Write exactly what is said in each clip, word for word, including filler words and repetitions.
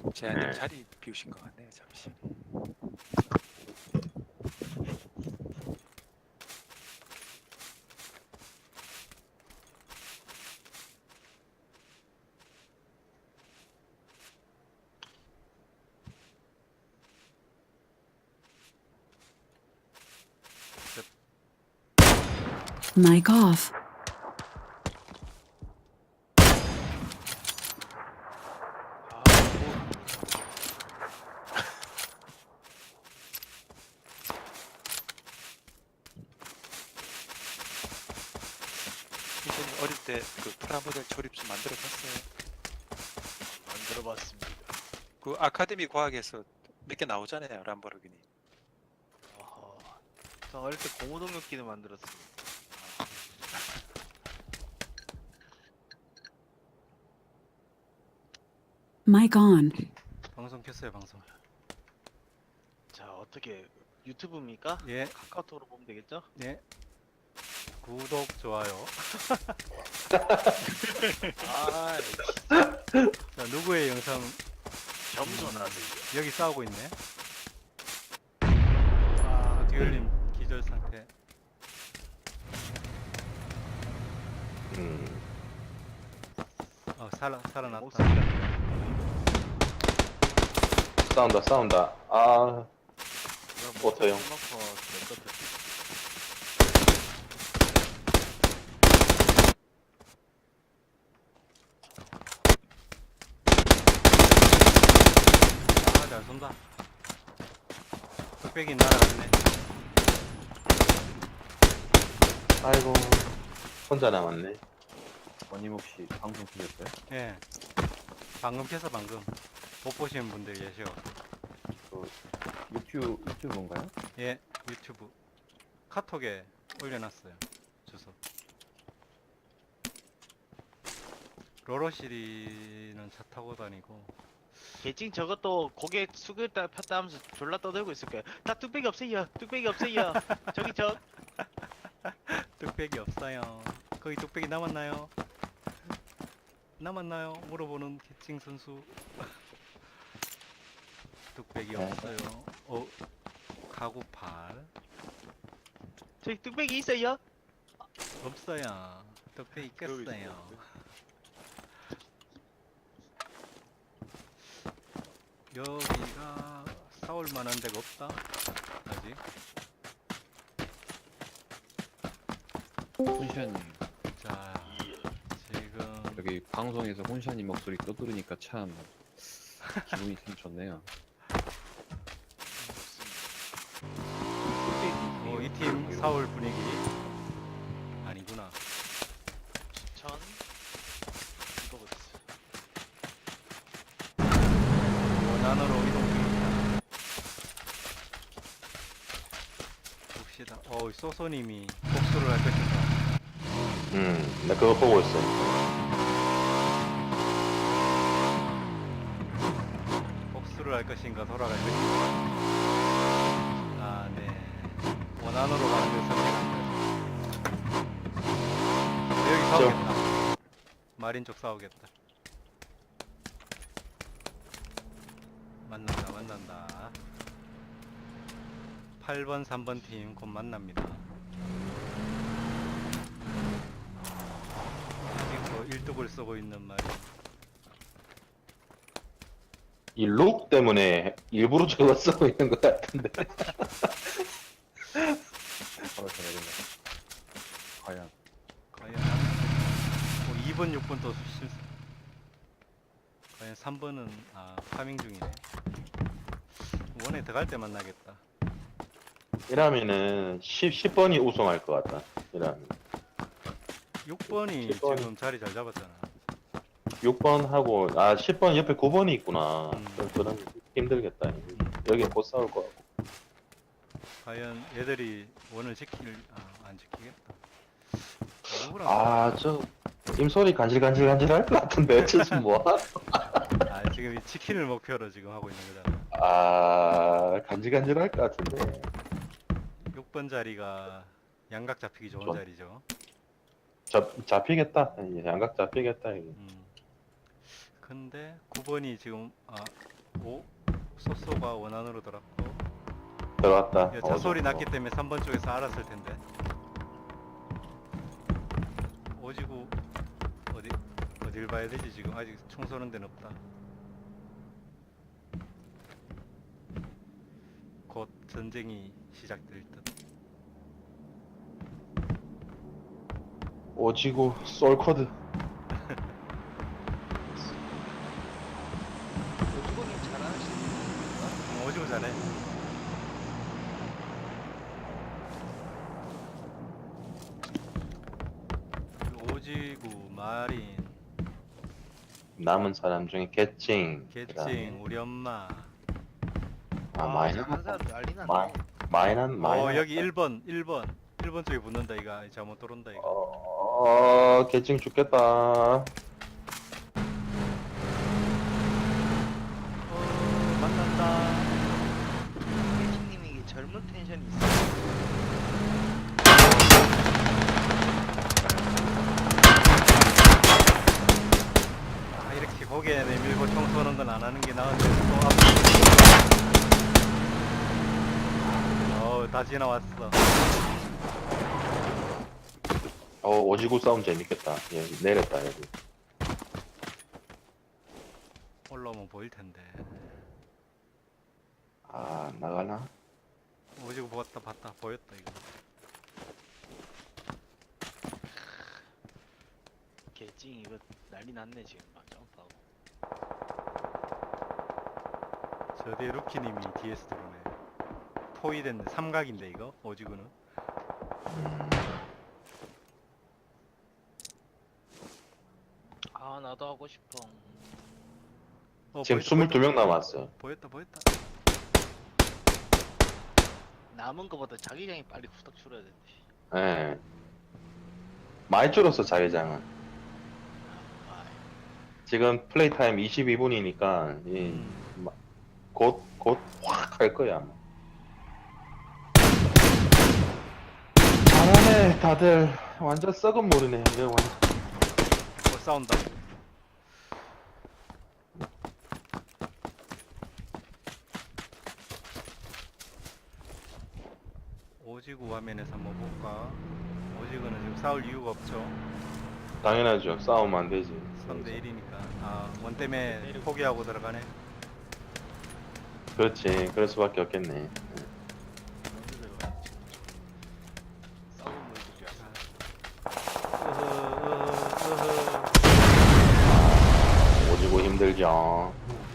제한님 네. 자리 비우신 것 같네요. 잠시. Mic off. 아, 이분이 어릴 때 그 프라모델 조립수 만들어 봤어요. 만들어봤습니다. 그 아카데미 과학에서 몇 개 나오잖아요. 람보르기니. 아하. 저 어릴 때 고무동력기를 만들었습니다. Mic on. 방송 켰어요 방송. 자, 어떻게 유튜브입니까? 예, 카카오톡으로 보면 되겠죠? 예. 구독 좋아요. 아, 자, 누구의 영상 겸손하세요. 여기 싸우고 있네. 아, 듀얼님 기절 상태. 음. 어 살아 살아났다. 목소리가 싸운다 싸운다. 아 목소리 어때요? 놓고 내 것들. 아, 잘 쏜다. 뚝배기 날아갔네. 아이고 혼자 남았네. 원님 혹시 방송 키셨어요? 예. 방금 켜서 방금 못 보시는 분들 계셔. 그 유튜브 유튜브인가요? 예, 유튜브 카톡에 올려놨어요. 주소. 로로시리는 차 타고 다니고. 개찡 저것도 고개 숙였다 폈다 하면서 졸라 떠들고 있을 거야. 다 뚝배기 없어요. 뚝배기 없어요. 저기 저 뚝배기 없어요. 거기 뚝배기 남았나요? 남았나요? 물어보는 캐칭 선수. 뚝배기 네. 없어요. 어, 가구팔 저기 뚝배기 있어요. 없어요. 뚝배기 깼어요. 여기가 싸울 만한 데가 없다. 아직. 혼샤님 자, 지금 여기 방송에서 혼샤님 목소리 또 들으니까 참 기분이 참 좋네요. 어, 이 팀 싸울 분위기 아니구나. 전 이거고 있어. 원안으로 이동 중입니다. 봅시다. 어, 소소님이 복수를 할 것인가. 음, 나 그거 보고 있어. 복수를 할 것인가 돌아갈 것인가. 아, 네. 원안으로 가는 걸 선택한다. 여기 싸우겠다. 마린 쪽 싸우겠다. 만난다, 만난다. 팔 번, 삼 번 팀 곧 만납니다. 아직도 일독을 쓰고 있는 마린. 이 룩 때문에 일부러 저거 쓰고 있는 것 같은데. 바로 전해된다 과연 과연 어, 이 번, 육 번 또 실. 과연 삼 번은 아 파밍 중이네. 원에 들어갈 때 만나겠다. 이러면은 십, 십 번이 우승할 것 같다. 이러면 육 번이 십 번이. 지금 자리 잘 잡았잖아. 육 번 하고 아 십 번 옆에 구 번이 있구나. 음. 그럼 그런 힘들겠다. 여기 못 싸울 거 같고. 과연 얘들이 원을 지킬 아, 안 지키겠다. 누구랑 아 저 임소리 간질간질간질 할 것 같은데 지금 뭐? 아 지금 이 치킨을 목표로 지금 하고 있는 거잖아. 아 간질간질 할 것 같은데. 육 번 자리가 양각 잡히기 좋은 좋아. 자리죠. 잡 잡히겠다. 예, 양각 잡히겠다. 이게. 음. 근데 구 번이 지금 아 오 소소가 원안으로 들어갔고 들어왔다. 야, 차 어, 소리 어. 났기 때문에 삼 번 쪽에서 알았을 텐데. 오지구 어디 어딜 봐야 되지 지금 아직 총 쏘는 데는 없다. 곧 전쟁이 시작될 듯. 오지구 솔코드. 오주공님 잘하시는 어, 오지구 잘해. 오지구 마린 남은 사람 중에 개칭. 개칭 우리 엄마. 아 마이너. 한 사람 난리 났네. 마 마이난 마이너. 어 여기 일 번 일 번 일 번 쪽에 붙는다 이가 잘못 들어온다 이거. 어 개칭 죽겠다. 어, 만난다. 혜진님이 젊은 텐션이 있어. 아, 이렇게 고개 내밀고 총 쏘는 건 안 하는 게 나은데 또 앞. 어우 다 지나왔어. 어 오지구 싸움 재밌겠다. 예 내렸다 여기. 올라오면 보일 텐데. 아 나가나? 오지고 봤다 봤다 보였다 이거. 개찡 이거 난리 났네 지금 막 점프하고. 저 뒤에 루키님이 디에스 들어오네. 포위 됐네. 삼각인데 이거 오지구는. 아 나도 하고 싶어. 어, 지금 보였다, 스물두 명 보였다. 남았어. 보였다 보였다. 남은 거보다 자기장이 빨리 후딱 줄어야 되는데. 예. 많이 줄었어 자기장은. 아, 지금 플레이 타임 이십이 분이니까 음. 곧 곧 확 할 거야. 아마. 잘하네 다들. 완전 썩은 모르네. 이거 완전. 어 싸운다. 오지구 화면에서 한번 볼까? 오지구는 지금 싸울 이유가 없죠. 당연하죠. 싸우면 안 되지. 삼 대 일이니까. 아, 원 때문에 포기하고 들어가네. 그렇지. 그럴 수밖에 없겠네. 먼저 들어가. 썩은 물들이야. 으흐, 으흐, 으흐. 오지구 힘들죠.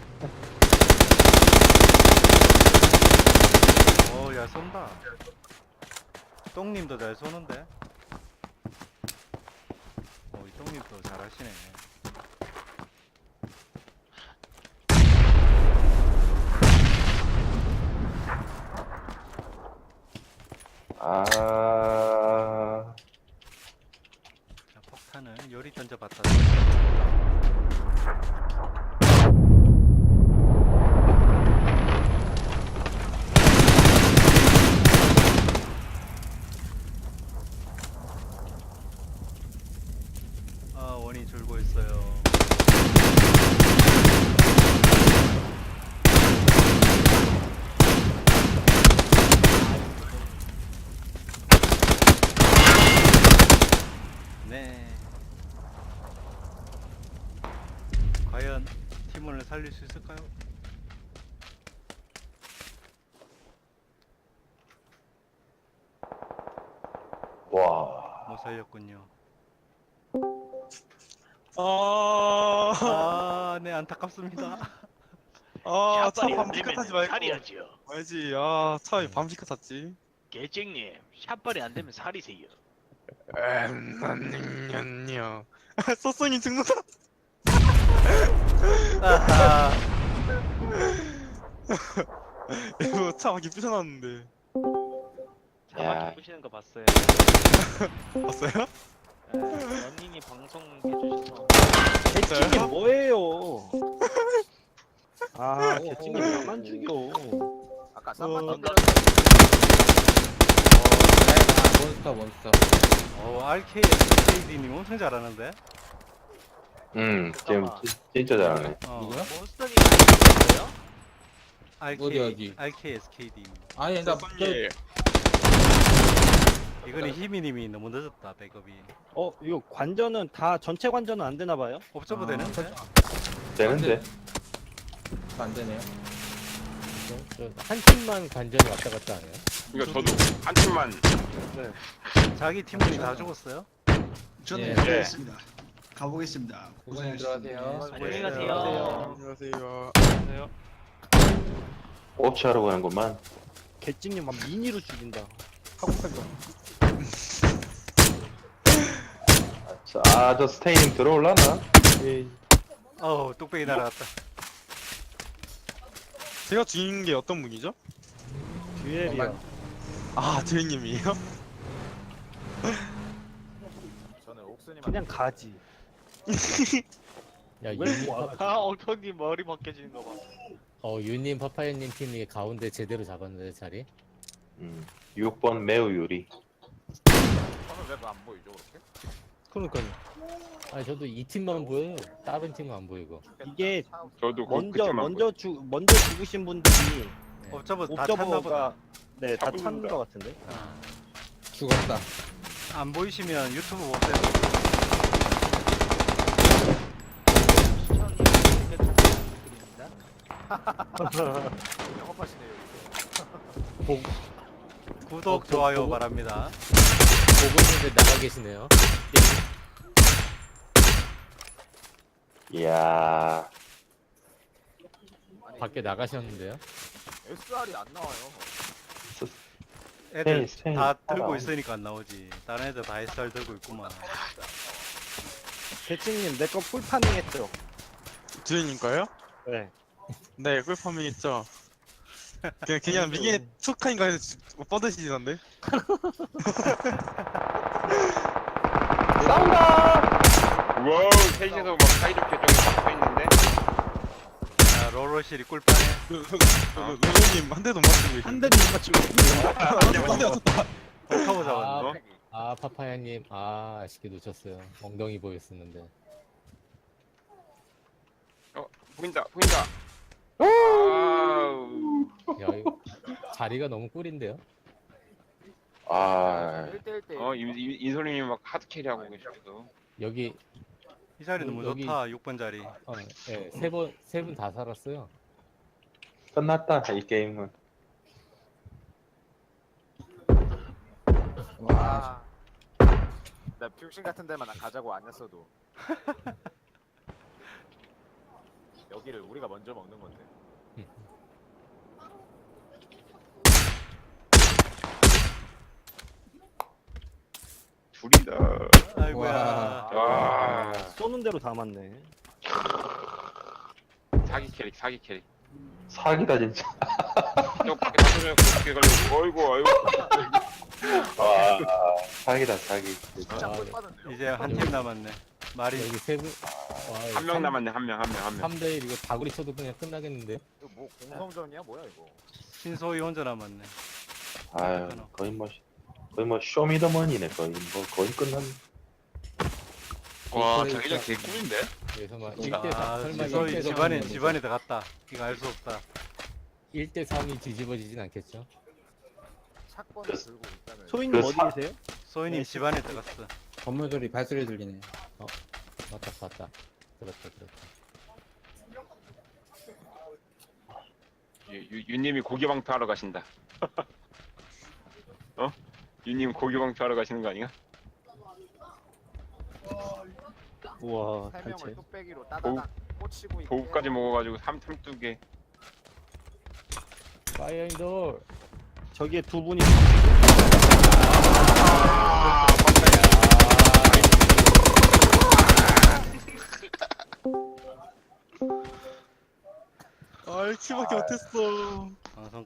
어, 야, 쏜다. 똥님도 잘 쏘는데? 어, 이 똥님도 잘하시네. 아, 자, 폭탄을 요리 던져봤다. 아, 원이 줄고 있어요. 네. 과연 팀원을 살릴 수 있을까요? 와. 못 살렸군요. 아, 아, 네, 안타깝습니다. 아, 차 샷발이 안 밤지카 되면 타지 말고. 살이야죠. 알지? 아, 차 왜 밤지카 탔지? 개찡님 샷발이 안 되면 살이세요. 엠난요. 소송이 죽는다. 아하. 이거 차 막이 부셔놨는데. 야. 자막 부시는 거 봤어요. 봤어요? 연인이 방송 해주셔서 개찡님 뭐예요? 아, 개찡님 나만 죽여. 아까 쌈만 던져. 몬스터 몬스터. 어, 알케이 에스케이디님 엄청 잘하는데? 음, 지금 잠깐만. 진- 진짜 잘하네. 어. 누구야? 몬스터님 아이디어요? 알케이, 어디, 어디? 알케이에스케이디. 아니 나 쏘쏘님. 이거는 희미님이 너무 늦었다 백업이. 어 이거 관전은 다 전체 관전은 안 되나 봐요? 옵저버 아, 되는데? 되는데. 안 되네요. 한 팀만 관전이 왔다 갔다 하네요. 이거 저도 한 팀만. 자기 팀원이 다 죽었어요? 저는 예. 가보겠습니다. 가보겠습니다. 고생하셨습니다. 안녕히 가세요. 안녕하세요. 옵치하러 가는구만. 개찍님 막 미니로 죽인다. 하고팔도. 아, 저 스테인 들어올라나? 예. 어우 뚝배기 날아갔다. 제가 죽인 게 어떤 분이죠? 듀엘이야. 아, 제이님이에요? 그냥 가지. 야, 왜 유님, 뭐 파, 아 엉덩이 머리 벗겨지는 거 봐. 어, 유님, 파파야님 팀이 가운데 제대로 잡았는데, 자리. 음, 육 번 매우 유리. 그러니까요. 아니, 저도 이 팀만 보여요. 다른 팀은 안 보이고. 이게 저도 그- 먼저 그때만 먼저 죽 먼저 죽으신 분들이 옵저버 다 탔나 보다. 옵저버가 네 다 잡은 탄 건가? 거 같은데. 죽었다. 안 보이시면 유튜브 보세요. 구독, 어, 좋아요 보고- 바랍니다. 보고 있는데 나가 계시네요. 이야, 밖에 나가셨는데요. 애들 스테인, 스테인. 다 들고 따라와. 있으니까 안 나오지. 다른 애들 다 에스알 들고 있구만. 개찍님 내 거 풀파밍 했죠? 제이님가요? 네. 네, 꿀파밍 했죠. 그냥 그냥 미개 투카인가 해서 지- 뭐 뻗으시던데? 와우, 셋이서 막 사이좋게 좀 박혀 있는데. 자, 롤러실이 꿀파네. 루루님 한 대도 못 맞추고 계시네. 한 대도 못 맞추고. 한 대 맞췄다. 덕하고 아, 잡았네. 아, 파파야님. 아, 아쉽게 놓쳤어요. 엉덩이 보였었는데. 어, 보인다, 보인다. 아우. 야, 이거 자리가 너무 꿀인데요. 아, 어, 이, 이, 이소림이 막 하드캐리 하고 계셔서. 여기, 이 자리 너무 여기- 좋다. 육 번 자리. 어, 예, 세 번, 세 분 다 살았어요. 끝났다, 이 게임은. 와. 나 퓨신 같은 데만 가자고 안 했어도 여기를 우리가 먼저 먹는 건데. 둘이다. 아이고야. 와. 쏘는 대로 다 맞네. 사기 캐릭, 사기 캐릭. 사기다, 진짜. 저 밖에 나서면 그렇게 걸리고. 어이구, 어이구. 와, 사기다, 사기. 아, 이제 한 팀 남았네. 말이 여기 세 분. 한 명 남았네, 한 명, 한 명, 한 명. 삼 대 일 이거 다구리 쳐도 그냥 끝나겠는데요? 이거 뭐 공성전이야 뭐야 이거? 신소희 혼자 남았네. 아유, 거의 뭐, 거의 뭐, 쇼미더머니네, 거의. 뭐, 거의 끝났네. 와, 자기장 개꿀인데? 그래서 막 일 대 사, 아, 설마 신소희 일 대 집안에 삼이 집안에 들어갔다. 이거 알 수 없다. 일 대 삼이 뒤집어지진 않겠죠? 사건을 들고 있다는. 소희님 그 어디 사- 계세요? 소희님 네, 집안에 들어갔어. 건물 소리 발소리 들리네. 맞다, 맞다. 들었다, 들었다. 유, 유, 유님이 고기방터 하러 가신다. 어? 유님 고기방터 하러 가시는 거 아니야? 우와 세 단체. 명을 뚝배기로 따다닥 꽂히고 있게. 보급까지 먹어가지고 삼, 삼두개. 파이어 인돌! 저기에 두 분이 아, 일 킬밖에 못했어. 방송